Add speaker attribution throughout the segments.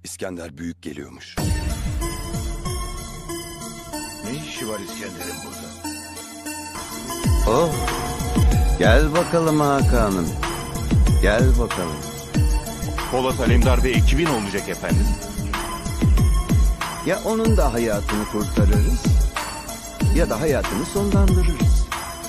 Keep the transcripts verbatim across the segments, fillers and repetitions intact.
Speaker 1: İskender Büyük geliyormuş.
Speaker 2: Ne işi var İskender'in burada?
Speaker 3: Oh, gel bakalım Hakan'ım. Gel bakalım.
Speaker 4: Polat Alemdar ve ekibin olacak efendim.
Speaker 3: Ya onun da hayatını kurtarırız ya da hayatını sonlandırırız.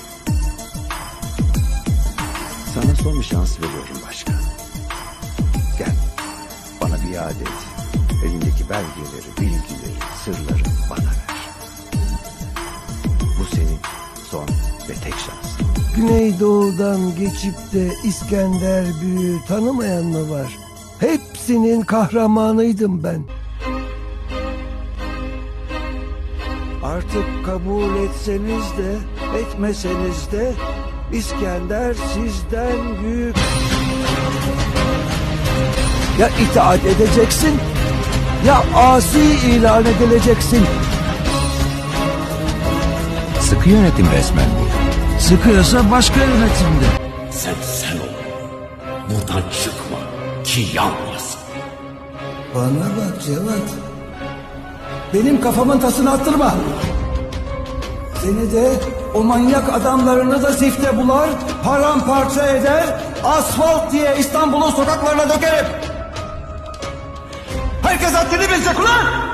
Speaker 3: Sana son bir şans veriyorum başkan. Gel, bana biat et. Elindeki belgeleri, bilgileri, sırları bana ver. Bu senin son ve tek şansın.
Speaker 5: Güneydoğu'dan geçip de İskender Büyük'ü tanımayan mı var? Hepsinin kahramanıydım ben. Artık kabul etseniz de etmeseniz de İskender sizden büyük. Ya itaat edeceksin ya asi ilan edileceksin.
Speaker 6: Sıkı yönetim resmen bu.
Speaker 5: Sıkıyorsa başka yönetimde.
Speaker 7: Sen sen ol. Buradan çıkma ki yanmayasın.
Speaker 5: Bana bak Cevat. Benim kafamın tasını attırma. Seni de o manyak adamlarını da zifte bular, paramparça eder, asfalt diye İstanbul'un sokaklarına dökerim. Herkes haddini bilecek ulan!